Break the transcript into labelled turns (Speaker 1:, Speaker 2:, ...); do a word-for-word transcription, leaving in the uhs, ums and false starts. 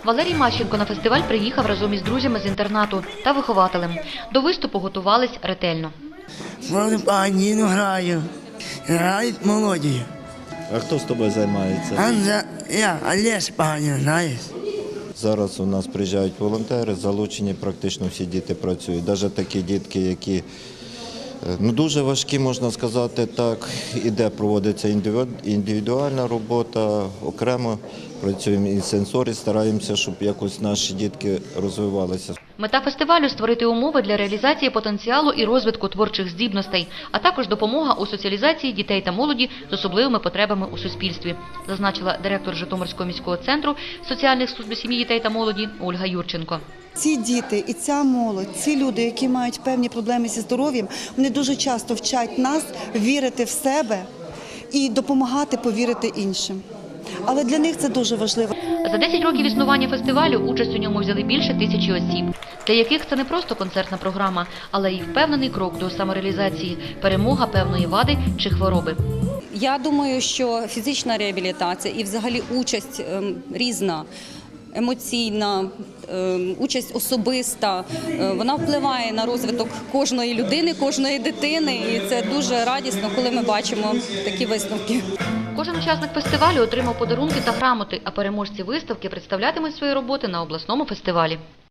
Speaker 1: Валерій Мащенко на фестиваль приїхав разом із друзями з інтернату та вихователем. До виступу готувались ретельно.
Speaker 2: Фортепіано граю, грають молоді.
Speaker 3: А хто з тобою займається?
Speaker 2: Анза, я, Олесь Паганін, знаєш.
Speaker 3: Зараз у нас приїжджають волонтери, залучені практично всі діти працюють. Навіть такі дітки, які ну, дуже важкі, можна сказати так, іде проводиться індивідуальна робота, окремо працюємо і сенсорі, стараємося, щоб якось наші дітки розвивалися.
Speaker 1: Мета фестивалю – створити умови для реалізації потенціалу і розвитку творчих здібностей, а також допомога у соціалізації дітей та молоді з особливими потребами у суспільстві, зазначила директор Житомирського міського центру соціальних служб сім'ї, дітей та молоді Ольга Юрченко.
Speaker 4: Ці діти і ця молодь, ці люди, які мають певні проблеми зі здоров'ям, вони дуже часто вчать нас вірити в себе і допомагати повірити іншим. Але для них це дуже важливо.
Speaker 1: За десять років існування фестивалю участь у ньому взяли більше тисячі осіб, для яких це не просто концертна програма, але й впевнений крок до самореалізації, перемога певної вади чи хвороби.
Speaker 5: Я думаю, що фізична реабілітація і взагалі участь ем, різна, емоційна, ем, участь особиста, е, вона впливає на розвиток кожної людини, кожної дитини, і це дуже радісно, коли ми бачимо такі висновки.
Speaker 1: Кожен учасник фестивалю отримав подарунки та грамоти, а переможці виставки представлятимуть свої роботи на обласному фестивалі.